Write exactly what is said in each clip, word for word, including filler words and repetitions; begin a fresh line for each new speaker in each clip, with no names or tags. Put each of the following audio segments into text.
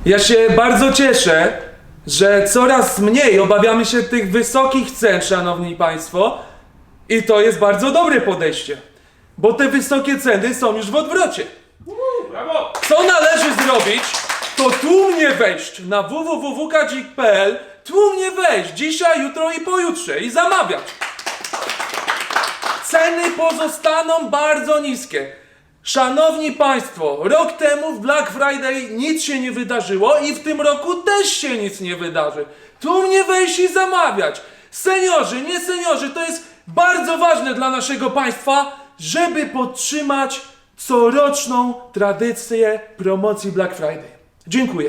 Ja się bardzo cieszę, że coraz mniej obawiamy się tych wysokich cen, szanowni państwo. I to jest bardzo dobre podejście, bo te wysokie ceny są już w odwrocie.
Brawo!
Co należy zrobić, to tłumnie wejść na w w w kropka kadzik kropka p l, tłumnie wejść dzisiaj, jutro i pojutrze i zamawiać. Ceny pozostaną bardzo niskie. Szanowni państwo, rok temu w Black Friday nic się nie wydarzyło i w tym roku też się nic nie wydarzy. Tłumnie wejść i zamawiać. Seniorzy, nie seniorzy, to jest bardzo ważne dla naszego państwa, żeby podtrzymać coroczną tradycję promocji Black Friday. Dziękuję.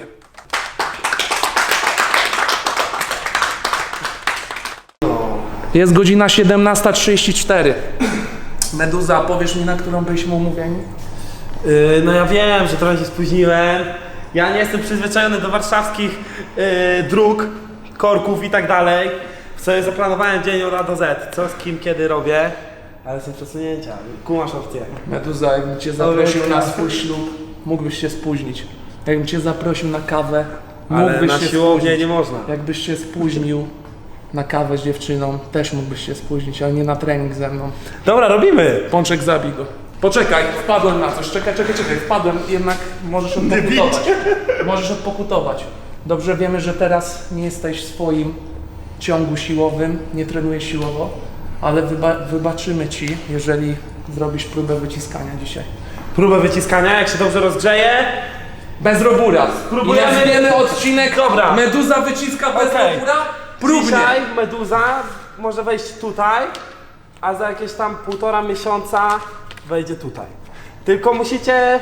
Jest godzina siedemnasta trzydzieści cztery. Meduza, powiesz mi, na którą byliśmy umówieni?
Yy, no ja wiem, że trochę się spóźniłem. Ja nie jestem przyzwyczajony do warszawskich yy, dróg, korków i tak dalej. Sobie zaplanowałem dzień od A do Z, co z kim, kiedy robię. Ale są przesunięcia, kumasz opcję.
Meduza, jakbym cię zaprosił na swój ślub, mógłbyś się spóźnić. Jakbym cię zaprosił na kawę,
Ale
mógłbyś
na
się
siłownię
spóźnić.
nie można.
Jakbyś się spóźnił na kawę z dziewczyną, też mógłbyś się spóźnić, ale nie na trening ze mną.
Dobra, robimy!
Pączek, zabij go. Poczekaj, wpadłem na coś. Czekaj, czekaj, czekaj. Wpadłem, jednak możesz odpokutować. Możesz odpokutować. Dobrze wiemy, że teraz nie jesteś w swoim ciągu siłowym, nie trenujesz siłowo, ale wyba wybaczymy ci, jeżeli zrobisz próbę wyciskania dzisiaj.
Próbę wyciskania, jak się dobrze rozgrzeje.
Bez robura.
Spróbujemy-
I nazwiemy odcinek
Dobra.
Meduza wyciska bez
Okej.
robura. Próbnie.
Dzisiaj Meduza może wejść tutaj, a za jakieś tam półtora miesiąca wejdzie tutaj. Tylko musicie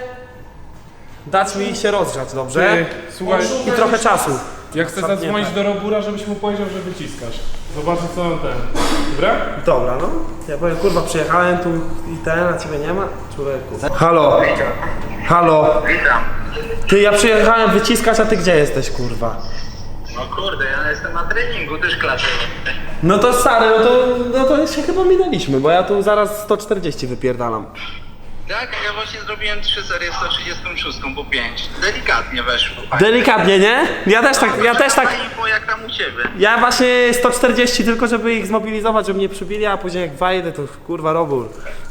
dać mi się rozgrzać, dobrze?
Ty, słuchaj,
I trochę czasu.
ja chcę zadzwonić do Robura, żebyś mu powiedział, że wyciskasz. Zobaczę co on ten. Dobra?
Dobra, no. Ja powiem, kurwa, przyjechałem tu i ten, a ciebie nie ma? Człowieku. Halo. Halo.
Witam.
Ty, ja przyjechałem wyciskać, a ty gdzie jesteś, kurwa?
No kurde, ja jestem na treningu, też klaczę.
No to stary, no to, no to się chyba minęliśmy, bo ja tu zaraz sto czterdzieści wypierdalam.
Tak, a ja właśnie zrobiłem trzy serie sto trzydzieści sześć po pięć. Delikatnie weszło.
Delikatnie, nie? Ja też tak, ja też tak.
Info jak tam u ciebie.
Ja właśnie sto czterdzieści tylko, żeby ich zmobilizować, żeby mnie przybili, a później jak wejdę, to kurwa robór.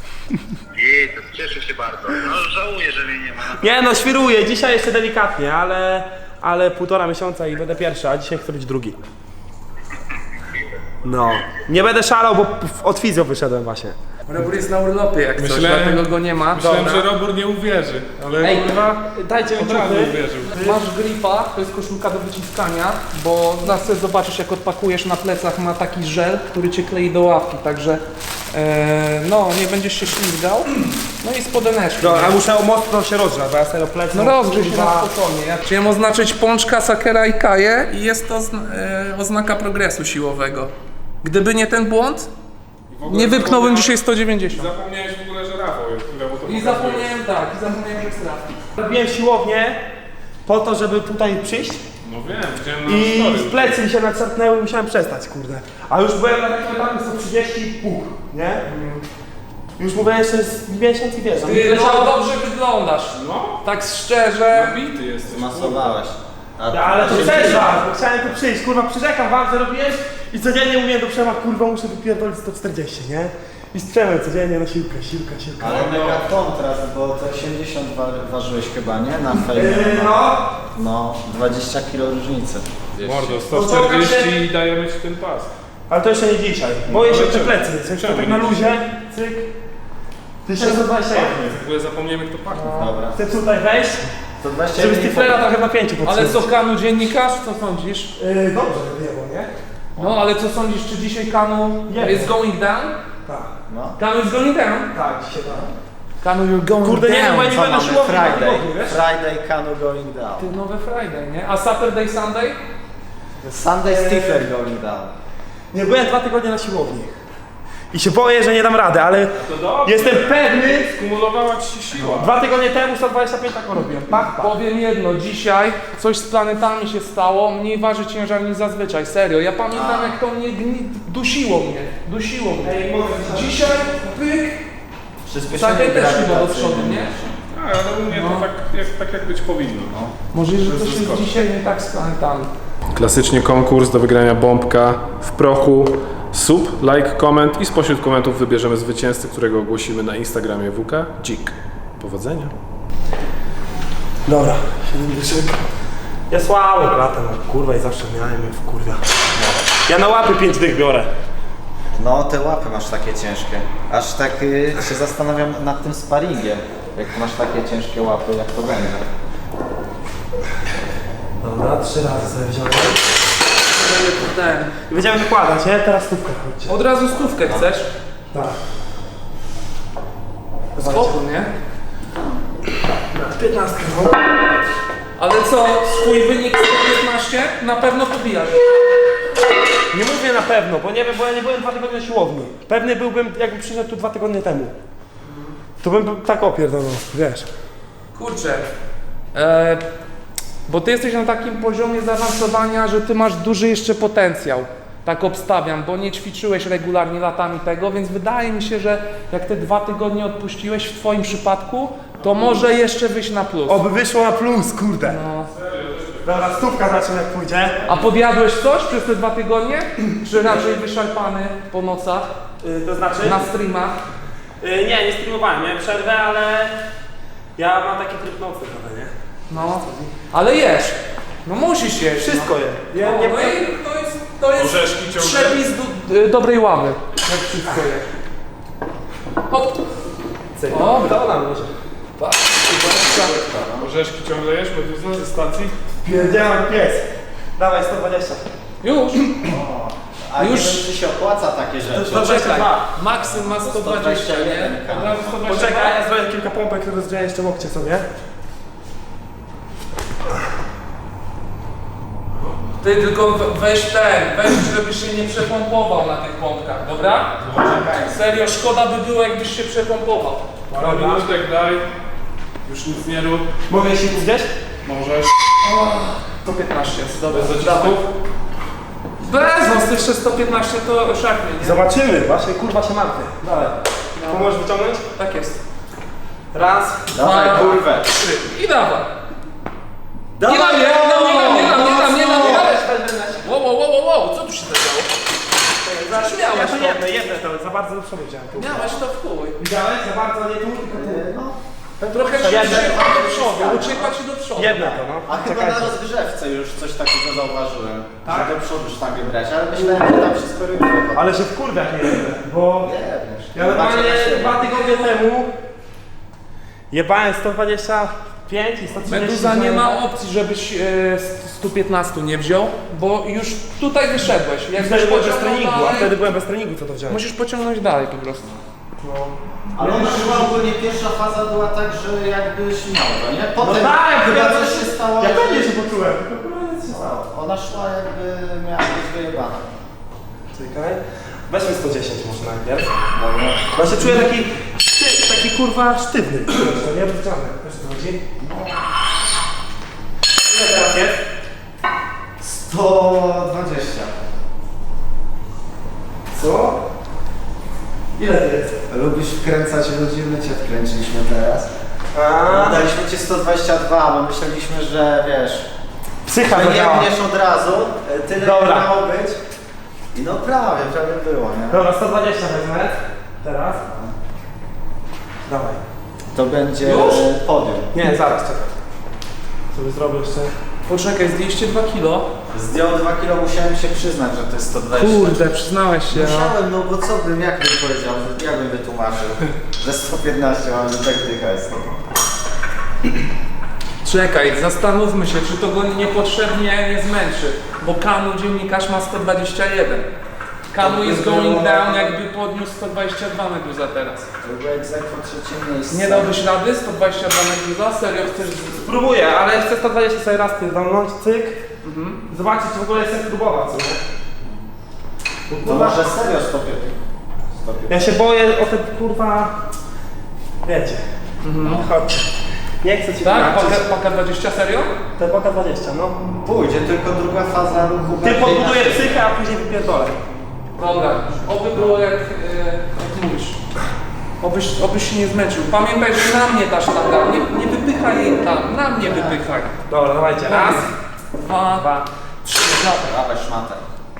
I to cieszę się bardzo. No żałuję, że mnie nie ma.
Nie no, świruję, dzisiaj jeszcze delikatnie, ale, ale półtora miesiąca i będę pierwszy, a dzisiaj chcę być drugi. No, nie będę szalał, bo w- od fizjo wyszedłem właśnie.
Robur jest na urlopie jak coś,
Myślałem-
dlatego go nie ma.
Myślałem,
Dobra.
że Robur nie uwierzy, ale
Ej,
kurwa
Dajcie mi
od razu
ciuchy.
uwierzył.
Masz gripa, to jest koszulka do wyciskania, bo zawsze zobaczysz, jak odpakujesz, na plecach ma taki żel, który cię klei do ławki, także e, no, nie będziesz się ślizgał. No i spodeneczki.
No, a muszę mocno się rozgrzać, bo ja serio plecy.
No rozgrzej się na spokojnie. Ja chciałem oznaczyć pączka, sakera i kaję i jest to zna- e, oznaka progresu siłowego. Gdyby nie ten błąd, nie wypchnąłbym dzisiaj sto dziewięćdziesiąt.
Zapomniałeś w ogóle, że Rafał jest, który mu to
I
pokazuje.
zapomniałem tak, i zapomniałem, że jest trafki.
Robiłem siłownię po to, żeby tutaj przyjść
No wiem, widziałem na
i
story.
w plecy mi się naczerpnęły i musiałem przestać, kurde. A już byłem na takim etapie sto trzydzieści i pół, nie? Już mówię, jeszcze jest miesiąc i wiesz. a mi
Ty,
leciało-
no dobrze wyglądasz.
No,
Tak szczerze.
nabity jesteś.
Masowałeś. A
Ja, ale to
się
też
dzieje?
was, bo chciałem tu przyjść, kurwa, przyrzekam wam, że robiłem i codziennie mówiłem do Przema, kurwa, muszę wypierdolić sto czterdzieści, nie? I z Przemem codziennie na siłkę, siłka, siłka.
Ale mega kontrast, bo to osiemdziesiąt wa ważyłeś chyba, nie? Na fejmie.
Yy, no,
No, dwadzieścia kilo różnicy.
Mordo, sto czterdzieści i dajemy ci ten pas.
ale to jeszcze nie dzisiaj. Boję się
Ale
te
czemu?
plecy, coś
Czemu
tak
nie
na luzie, cyk. tysiąc sto dwadzieścia jeden.
W ogóle zapomniemy kto pachnie.
Dobra.
Chcę tutaj wejść,
sto dwadzieścia
żeby
jeden
Stiflera trochę napięciu
Ale
podtrzymać.
co, Kanu dziennikarz, co sądzisz?
Yy, dobrze wyjęło, nie?
No, ale co sądzisz, czy dzisiaj Kanu
Nie.
is going down?
Tak,
No.
Kanu is going down?
tak, dzisiaj tak.
Kanu, you're going
Kurde, nie
down.
wiem, bo ja nie
Co
będę
mamy?
siłowni na
Friday.
tygodniu, wiesz?
Friday Cano going down.
Ty, nowe Friday, nie? A Saturday, Sunday?
Sunday Stifler going down.
Nie byłem dwa tygodnie na siłowni. I się boję, że nie dam rady, ale
To dobrze.
jestem pewny.
Skumulowała ci się siła.
Dwa tygodnie temu sto dwadzieścia pięć tak robiłem. Pach, pach.
Powiem jedno, dzisiaj coś z planetami się stało, mniej waży ciężar niż zazwyczaj, serio. Ja pamiętam, jak to mnie gni... dusiło mnie, dusiło mnie.
Ej, mogę
Dzisiaj pyk,
Przyspieszenie
Saker też chyba do
grawitacyjne.
przodu, nie?
Tak, ale u mnie to tak jak, tak jak być powinno. No.
Może, że
Bez
coś jest
zaskoczeń.
dzisiaj nie tak z planetami.
Klasycznie konkurs do wygrania bombka w prochu. Sub, like, koment i spośród komentów wybierzemy zwycięzcę, którego ogłosimy na Instagramie W K Dzik. Powodzenia.
Dobra, siedem dyszek. Ja słabo latam, kurwa i zawsze miałem je w kurwa. Ja na łapy pięć dych biorę.
No te łapy masz takie ciężkie. Aż tak y, się zastanawiam nad tym sparingiem. Jak masz takie ciężkie łapy, jak to będzie.
Dobra, trzy razy sobie wziąłem.
Ten.
I będziemy wykładać, nie? Teraz stówkę chodźcie.
Od razu stówkę chcesz?
Tak.
Spoko, nie?
piętnastkę, no.
Ale co, swój wynik sto piętnaście na pewno pobijasz.
Nie mówię na pewno, bo nie wiem, bo ja nie byłem dwa tygodnie na siłowni. Pewny byłbym, jakbym przyszedł tu dwa tygodnie temu. To bym tak opierdolał, wiesz.
Kurczę, e, bo ty jesteś na takim poziomie zaawansowania, że ty masz duży jeszcze potencjał. Tak obstawiam, bo nie ćwiczyłeś regularnie latami tego, więc wydaje mi się, że jak te dwa tygodnie odpuściłeś w twoim przypadku, to może jeszcze wyjść na plus.
Oby wyszło na plus, kurde.
No.
Dobra, stówka zacznę jak pójdzie.
A podjadłeś coś przez te dwa tygodnie? Czy raczej wyszarpany po nocach,
Yy, to znaczy?
na streamach?
Yy, nie, nie streamowałem, miałem przerwę, ale ja mam taki tryb nocny trochę, nie?
No, ale jesz. No musisz jeść.
Wszystko je.
No,
Ja,
no,
nie,
no i to jest, to jest
Orzeszki ciągle?
przepis do, y, dobrej ławy. Jak wszystko je. Hop. Dobra.
To nam może.
Orzeszki ciągle jesz, bo ze stacji?
Pierdziałem pies. Dawaj, sto dwadzieścia.
Już.
A
Już-
już... nie wiem, czy się opłaca takie rzeczy.
To- to-
Poczekaj. Maksym ma sto dwadzieścia, nie? Od razu sto dwadzieścia.
Poczekaj, ja zrobię kilka pompek, które rozgrzeję jeszcze łokcie sobie.
Ty tylko we- weź ten, weź, żebyś się nie przepompował na tych pompkach, dobra? Serio, szkoda by było, jakbyś się przepompował.
Parę minutek daj. Już nic nie rób.
Mogę się tu gdzieś?
Możesz.
sto piętnaście jest, dobra.
Bez zacisków?
Bez, no z tych jeszcze sto piętnaście to szachnie, nie?
Zobaczymy, właśnie kurwa się martwię. Dalej. Pomożesz wyciągnąć?
Tak jest.
Raz.
Dawaj
Dwa,
kurwę.
trzy. I dawaj. Nie dam, nie dam, nie dam, nie dam, nie dam, nie dam, nie dam. Wow, wow, wow, wow, wow, co tu się zadziało? Przecież
Ja
miałeś
to
to.
jedno, jedno to, za bardzo do przodu wziąłem. tu.
Miałeś to w chuj.
Widziałeś? Za bardzo nie tu, tylko tu.
No.
Trochę się
Jedno.
uciekła do przodu, uciekła ci do przodu.
Jedno to, no.
A chyba na
Czekajcie.
rozgrzewce już coś takiego zauważyłem. Tak? Że do przodu sztangę brać, ale myślałem, że tam się skoryguje.
Ale się w kurwiach nie jedę, bo
Nie wiesz.
ja normalnie dwa tygodnie temu jebałem sto dwadzieścia pięć i sto trzydzieści.
Meduza nie ma opcji, żebyś e, sto piętnaście nie wziął, bo już tutaj wyszedłeś. Jak
Wtedy byłem bez
pociągnął
treningu, a
dalej,
wtedy byłem bez treningu, co to wziąłem.
musisz pociągnąć dalej po prostu.
Ale ona chyba ogólnie pierwsza faza była tak, że jakbyś miał to, nie? Potem
No tak,
chyba
ja-
coś się stało.
Ja
że-
pewnie się poczułem, tylko kurwa nic się stało.
Ona szła jakby miała być wyjebana.
Czekaj. Weźmy sto dziesięć może najpierw.
Dobra.
Bo się czuję taki, szty- taki kurwa sztywny. To nie rozgrzany. Wiesz o co chodzi? Ile teraz jest?
sto dwadzieścia.
Co? Ile to jest?
Lubisz wkręcać ludzi, my cię wkręciliśmy teraz.
A,
Daliśmy ci sto dwadzieścia dwa, bo myśleliśmy, że wiesz,
psycha
że nie
zadziała.
mniesz od razu, e, tyle
Dobra.
ile miało być. I no prawie, prawie było, nie?
Dobra, sto dwadzieścia wezmę. Teraz. Dawaj.
To będzie
Już?
e, podium.
Nie, zaraz, czekaj. Sobie zrobię jeszcze.
Poczekaj, zdjęliście dwa kilo.
Zdjął dwa kilo, musiałem się przyznać, że to jest sto dwadzieścia.
Kurde, przyznałeś się. No.
Musiałem, no bo co bym, jak bym powiedział, jak bym wytłumaczył, że sto piętnaście mam, że tak dycha jest.
Czekaj, zastanówmy się, czy to go niepotrzebnie nie zmęczy, bo Kanu dziennikarz ma sto dwadzieścia jeden. Kanu jest going down, jakby podniósł sto dwadzieścia dwa Meduza teraz.
To było egzekwo trzecie miejsce.
Nie dałbyś rady sto dwadzieścia dwa Meduza? Serio chcesz...
Spróbuję, ale chcę sto dwadzieścia sobie raz pierdolnąć, cyk. Zobaczyć, czy w ogóle chcę próbować, co nie? Bo,
To
kurwa,
może serio sto piętnaście.
ja się boję o te kurwa... Wiecie. No chodźcie. Nie chcę ci
Tak?
tłumaczyć.
Paka, paka dwadzieścia, serio?
Te paka dwadzieścia, no.
Pójdzie, tylko druga faza ruchu.
Ty
bardziej
podbuduję
na-
psychę, a później wypierdolę.
Dobra, oby było jak, e, jak mówisz. Obyś, obyś się nie zmęczył. Pamiętaj, że na mnie ta sztanga. Nie, nie wypychaj jej tam, na mnie wypychaj.
Dobra, dawajcie. Raz,
Dwa,
dwa.
trzy, dawaj.
Dawaj szmatę.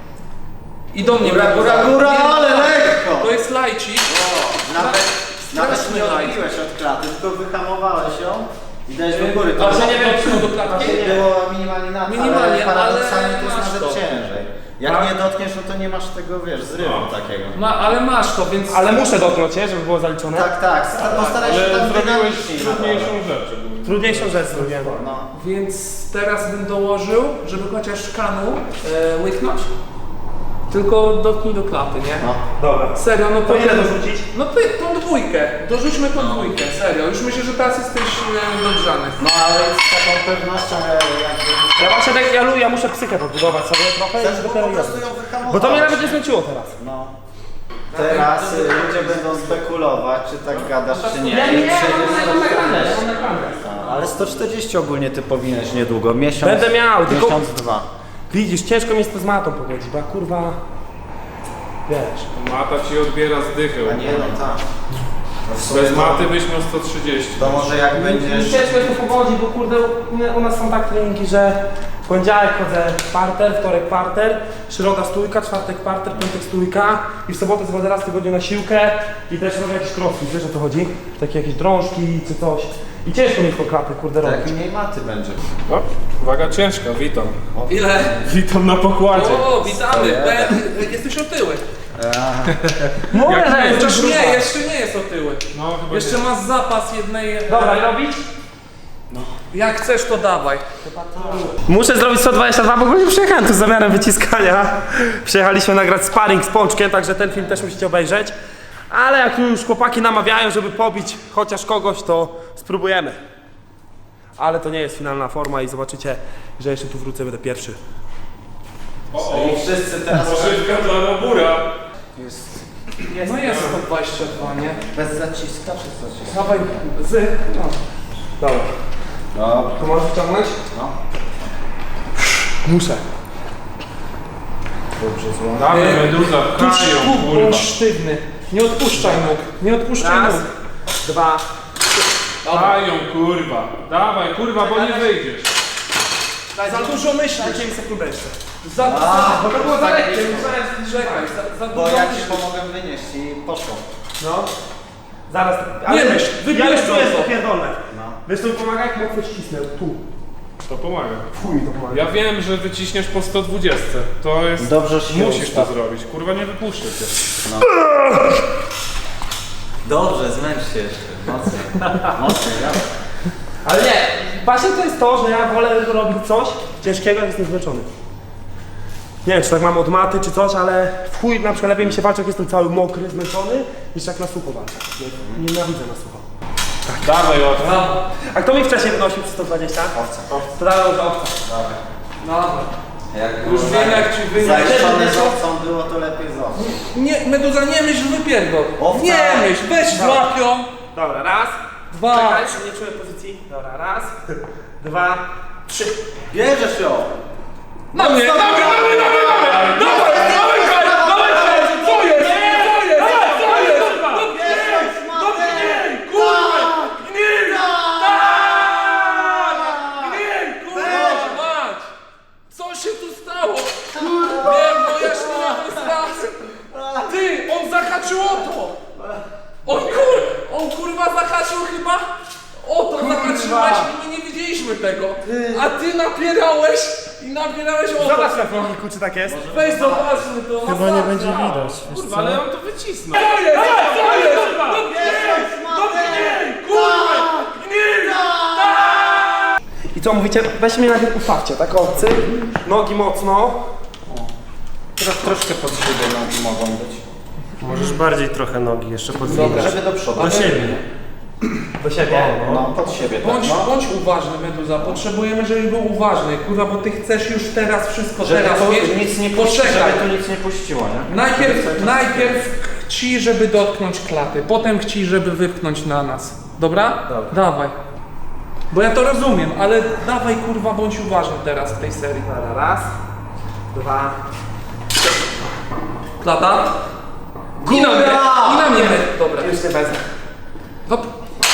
I do mnie.
Góra, góra, góra,
Nie,
ale lekko!
To jest lajcik.
Nawet, nawet
straszny
nie
light.
odbiłeś od klaty, tylko wyhamowałeś ją i dałeś do góry.
A że nie
było-
wiem, czy do klatki?
było minimalnie na to,
Minimalnie,
ale paradoksalnie
ale
to jest
masz
nawet
to.
ciężej. Jak
Tak?
nie dotkniesz, no to nie masz tego, wiesz, zrywu takiego.
Ma, ale masz to, więc...
Ale muszę dotknąć, nie? Żeby było zaliczone.
Tak, tak, sta- postaraj się tam
Ale zrobiłeś
dynamicznie.
trudniejszą rzecz. ogólnie.
Trudniejszą rzecz zrobiłem.
No.
Więc teraz bym dołożył, żeby chociaż kanu e, łyknąć. Tylko dotknij do klaty, nie?
No.
Dobra.
Serio, no
To ile dorzucić?
No ty, tą dwójkę. Dorzućmy tą dwójkę, serio. Już myślę, że teraz jesteś e, dogrzany.
No ale z taką pewnością e, jakby...
Ja właśnie tak, ja, lu- ja muszę psychę podbudować sobie trochę
Chcesz
i
po
dopiero
prostu
jadę.
ją wyhamować.
Bo to mnie nawet nie zmęczyło teraz.
No. Teraz y, ludzie będą spekulować, czy tak gadasz, czy nie.
Ja
I
nie,
przejdziesz
mam
do-
mam nagrane, mam nagrane.
Ale sto czterdzieści ogólnie ty powinieneś niedługo. Miesiąc,
Będę miał, tylko-
miesiąc, dwa.
Widzisz, ciężko mi jest to z matą pogodzić, bo ja kurwa... Wiesz.
Mata ci odbiera zdychę.
A nie, no tak. No w sumie
Bez
to-
maty byś miał sto trzydzieści.
To może jak będziesz...
Ciężko jest to pogodzić, bo kurde u, mnie- u nas są tak treningi, że w poniedziałek chodzę parter, wtorek parter, środa stójka, czwartek parter, piątek stójka i w sobotę chodzę raz w tygodniu na siłkę i też robię jakiś crossfit, wiesz o co chodzi? Takie jakieś drążki czy coś. I ciężko mi po klapy kurde
Tak
robić.
mniej maty będzie.
O, uwaga ciężka, witam.
Ile?
Witam na pokładzie.
O, witamy. Ben, jesteś otyły.
Mówię,
Jak
że
nie,
jest
Chociaż
gruba.
nie, jeszcze nie jest otyły.
No chyba
Jeszcze
nie.
masz zapas jednej...
Dobra, i robić?
Jak chcesz, to dawaj.
Muszę zrobić sto dwadzieścia dwa, bo ogólnie przyjechałem tu z zamiarem wyciskania. Przyjechaliśmy nagrać sparring z Pączkiem, także ten film też musicie obejrzeć. Ale jak już chłopaki namawiają, żeby pobić chociaż kogoś, to spróbujemy. Ale to nie jest finalna forma i zobaczycie, że jeszcze tu wrócę, będę pierwszy.
I wszyscy teraz
Poszywka dla Robura.
No jest sto dwadzieścia dwa, nie?
bez zaciska czy zaciska?
Dawaj, z... No.
Dobra.
Dobra.
To możesz wyciągnąć?
No.
Muszę.
Dobrze, zło.
Dawaj
E,
meduza,
Tuż
pchają,
kup,
kurwa.
bądź sztywny. Nie odpuszczaj nóg. Nie odpuszczaj
Raz,
nóg.
dwa.
Pchają, kurwa. Dawaj, kurwa, bo nie wyjdziesz.
Za dużo myślisz.
Dajcie mi sekundę jeszcze.
Za,
A,
za,
Bo to było za lekkie, musiałem...
czekaj, za, za
Bo
dużo
ja ci
myślisz.
pomogę wynieść i poszło.
No. Zaraz.
Nie myśl,
Ja
wybierz
już tu jest
to.
popierdolone.
No.
Wiesz co mi pomaga? Jak mocno ścisnę. Tu.
To pomaga.
Chuj mi to pomaga.
Ja wiem, że wyciśniesz po sto dwadzieścia. To jest...
Dobrze się
Musisz to
ustaw.
zrobić. Kurwa, nie wypuszczę cię.
Dobrze, zmęcz się jeszcze. Mocniej. Mocniej, ja.
Ale nie, właśnie to jest to, że ja wolę robić coś ciężkiego, jak jestem zmęczony. Nie wiem, czy tak mam od maty, czy coś, ale w chuj na przykład lepiej mi się walczy, jak jestem cały mokry, zmęczony, niż jak na sucho walczę. Nie, nienawidzę na sucho.
Dawaj, łatwo.
No,
A kto mi wcześniej wynosił sto dwadzieścia?
Owca.
To dałem już owca.
dobra.
Jak
Już wiem, jak ci wynieść.
zajeszczony z owcą było, to lepiej z owcą.
Nie, Meduza, nie myśl, wypierdol.
Owca.
Nie myśl, weź złap ją.
Dobra, raz.
Dwa.
Czekaj, nie czuję pozycji. Dobra, raz, dwa, trzy.
Bierzesz ją!
Na mnie, na mnie, na mnie, na mnie, na mnie. Dawaj, dawaj, dawaj, dawaj. Co jest? Co jest? Co jest? No gnij, kurwa. Gnij. Tak. Gnij, kurwa, mać. Co się tu stało? Nie, moja ślina to jest raz. Ty, on zahaczył o to. On kur... On kurwa zahaczył chyba? O to zahaczyłeś i my nie widzieliśmy tego. A ty napierałeś i napierałeś o to.
Zobacz na filmiku, czy tak jest.
Weź zobaczmy to. Chyba nie będzie widać.
Kurwa, ale on to wycisnął.
Co jest? Co jest? No gnij! No gnij! Kurwa! Gnij!
I co mówicie? Weź mnie najpierw ustawcie, tak o, cyk, nogi mocno.
Teraz troszkę pod siebie nogi mogą być.
Możesz bardziej trochę nogi jeszcze podwinąć.
Żeby do przodu.
Do siebie.
Do siebie.
No, pod siebie tak,
Bądź,
no.
bądź uważny, Meduza. Potrzebujemy, żebyś był uważny. Kurwa, bo ty chcesz już teraz wszystko
Żeby
teraz
to
mieć.
nic nie puści,
Poczekaj.
żeby tu nic nie puściło, nie?
Najpierw, najpierw chci, żeby dotknąć klaty, potem chci, żeby wypchnąć na nas. Dobra?
Dobra.
Dawaj. Bo ja to rozumiem, ale dawaj kurwa, bądź uważny teraz w tej serii.
Dobra, raz, dwa,
Klata? I na mnie, i na mnie. Dobra.
już nie wezmę.
Hop.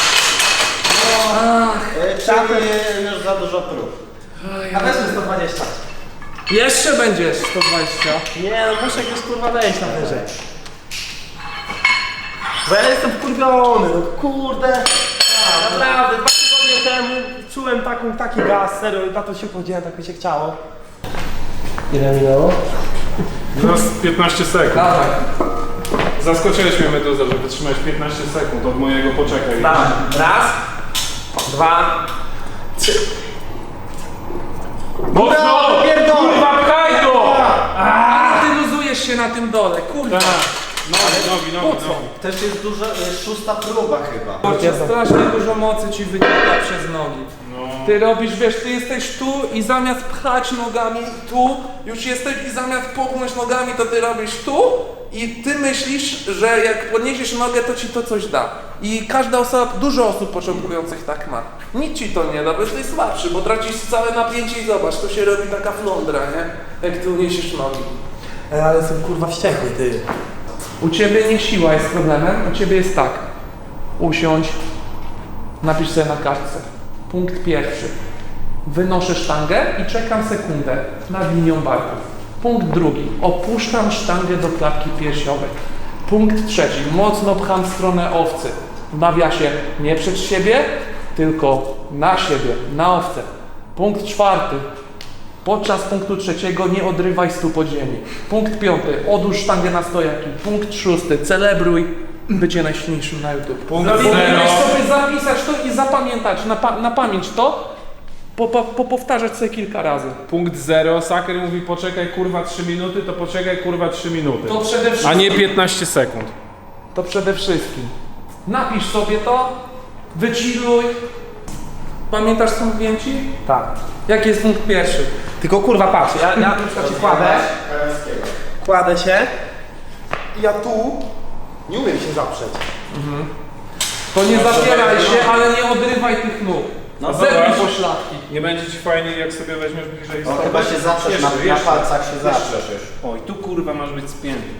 Y, Czyli już za dużo prób.
A weźmy sto dwadzieścia.
Jeszcze będzie sto dwadzieścia.
Nie, no muszę jakoś kurwa wejść na wyżej. Bo ja jestem wkurwiony, no kurde. Naprawdę, dwa tygodnie temu czułem taką, taki gaz, serio, i na to się podziałem, tak mi się chciało. Ile minęło?
No z piętnaście sekund.
Dawaj.
Zaskoczyłeś mnie, Meduza, że wytrzymałeś piętnaście sekund od mojego poczekaj.
Dawaj. Raz, dwa, trzy.
Mocno! Kurwa, pchaj to!
A ty luzujesz się na tym dole, kurwa.
Nogi, nogi, nogi, nogi.
Też jest duża, y, szósta próba chyba.
Kurczę, strasznie dużo mocy ci wynika przez nogi. Ty robisz, wiesz, ty jesteś tu i zamiast pchać nogami tu, już jesteś i zamiast popchnąć nogami, to ty robisz tu i ty myślisz, że jak podniesiesz nogę, to ci to coś da. I każda osoba, dużo osób początkujących tak ma. Nic ci to nie da, bo jesteś słabszy, bo tracisz całe napięcie i zobacz, to się robi taka flądra, nie? Jak ty uniesiesz nogi.
E, ale jestem kurwa wściekły, ty.
U ciebie nie siła jest problemem, u ciebie jest tak. Usiądź, napisz sobie na kartce. Punkt pierwszy. Wynoszę sztangę i czekam sekundę nad linią barków. Punkt drugi. Opuszczam sztangę do klatki piersiowej. Punkt trzeci. Mocno pcham w stronę owcy. W nawiasie nie przed siebie, tylko na siebie, na owcę. Punkt czwarty. Podczas punktu trzeciego nie odrywaj stóp od ziemi. Punkt piąty. Odłóż sztangę na stojaki. Punkt szósty. Celebruj bycie najsilniejszym na YouTube.
Punkt
Powinieneś
zero.
sobie zapisać to i zapamiętać na, pa na pamięć to, po, po, po powtarzać sobie kilka razy.
Punkt zero. Saker mówi poczekaj kurwa trzy minuty, to poczekaj kurwa trzy minuty.
To przede wszystkim.
A nie piętnaście sekund.
To przede wszystkim. Napisz sobie to, wychilluj. Pamiętasz co mówiłem ci?
Tak.
Jaki jest punkt pierwszy?
Tylko kurwa patrz, ja, ja na przykład się kładę, kładę się i ja tu nie umiem się zaprzeć.
To nie zapieraj się, ale nie odrywaj tych nóg.
No
Zepnij
zobacz.
poszlaki.
Nie będzie ci fajnie, jak sobie weźmiesz bliżej
O,
stopy.
chyba się zaprzesz, na,
Jeszcze,
na
jeszcze.
palcach się zaprzesz już.
Oj, tu kurwa masz być spięty.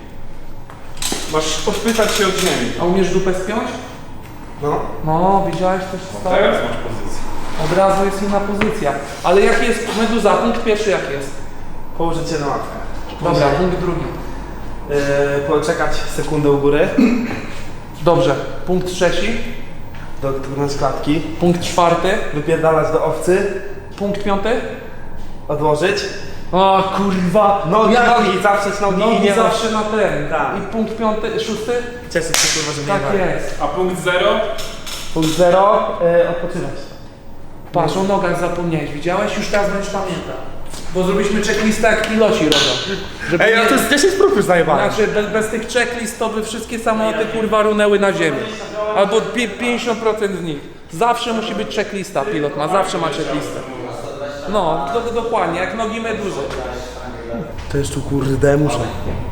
Masz odpychać się od ziemi.
A umiesz dupę spiąć?
No.
No, widziałeś też co?
Teraz masz pozycję.
Od razu jest inna pozycja. Ale jaki jest Meduza? Punkt pierwszy jaki jest?
Położyć się na ławkę.
Dobra, punkt drugi.
Yy, poczekać sekundę u góry,
Dobrze. Punkt trzeci.
dotknąć klatki,
Punkt czwarty.
wypierdalać do owcy,
Punkt piąty.
odłożyć,
O kurwa.
nogi,
Ja-
nogi, zaprzeć nogi i
Nogi
nie
zawsze na ten.
Tak.
I punkt piąty, szósty?
Cieszyć się kurwa, że
Tak
nie ma.
jest.
A punkt zero?
Punkt zero, yy, odpoczywać.
Patrz, o nogach zapomniałeś. Widziałeś? Już teraz będziesz pamiętał. Bo zrobiliśmy checklistę jak piloci robią. Żeby
Ej,
nie-
a to jest dziesięć prób już zajebane.
Znaczy bez, bez tych checklist to by wszystkie samoloty kurwa runęły na ziemię. Albo pi- pięćdziesiąt procent z nich. Zawsze musi być checklista, pilot ma, zawsze ma checklistę. No, do, dokładnie, jak nogi meduzy.
To jeszcze tu kurde muszę.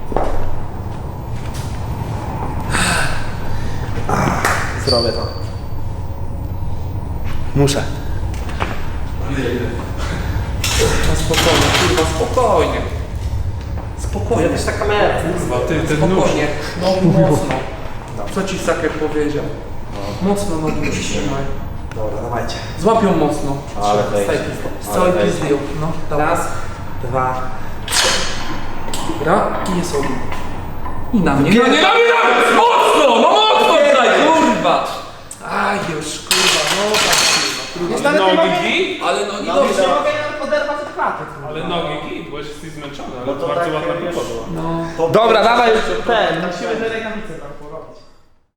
Zrobię to. Muszę.
No spokojnie, kurwa, spokojnie. Spokojnie.
Też ta kamera.
Kurwa, ty, ten nóż.
Spokojnie, nogi mocno. Co ci Saker powiedział? Mocno nogi trzymaj.
Dobra, dawajcie.
Złapią mocno.
Ale
Z
wejdzie.
całej- Z całej
Ale wejdzie.
pizdy. No, dobra.
Raz, dwa,
Dobra, i jest ogień. I na mnie. Nie, nie, nie, nie, mocno, no mocno tutaj, kurwa. Aj, już, kurwa, no tak, kurwa, trudno.
Nogi git?
Ale nogi
No,
dobrze.
widzę.
mogę oderwać od klaty.
Ale nogi git, bo jesteś zmęczony, ale
No to
bardzo
tak,
ładna
wiesz,
podłoga.
No.
Dobra, dawaj ten, musimy te rękawice tak